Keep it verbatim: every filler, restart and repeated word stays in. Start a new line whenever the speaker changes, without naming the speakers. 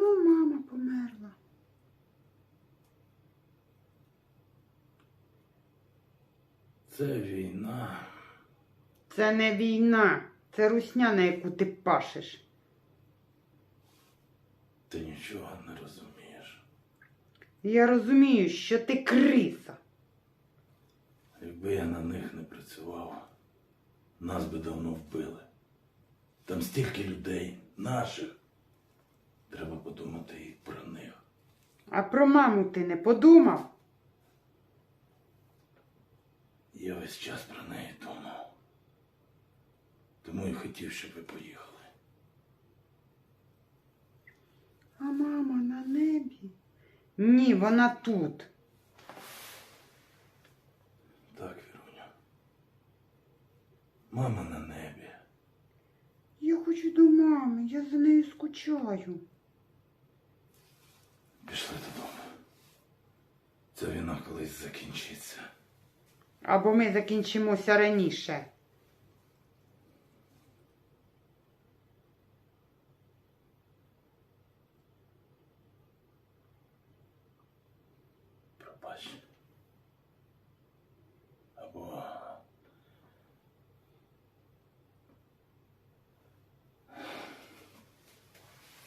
чому мама померла?
Це війна.
Це не війна, це русня, на яку ти пашеш.
Ти нічого не розумієш.
Я розумію, що ти криса.
Якби я на них не працював, нас би давно вбили. Там стільки людей, наших. Треба подумати і про них.
А про маму ти не подумав?
Я весь час про неї думав. Тому і хотів, щоб ви поїхали.
А мама на небі? Ні, вона тут.
Так, Віруня. Мама на небі.
Я хочу до мами, я за нею скучаю.
Пішли додому. Ця війна колись закінчиться.
Або ми закінчимося раніше.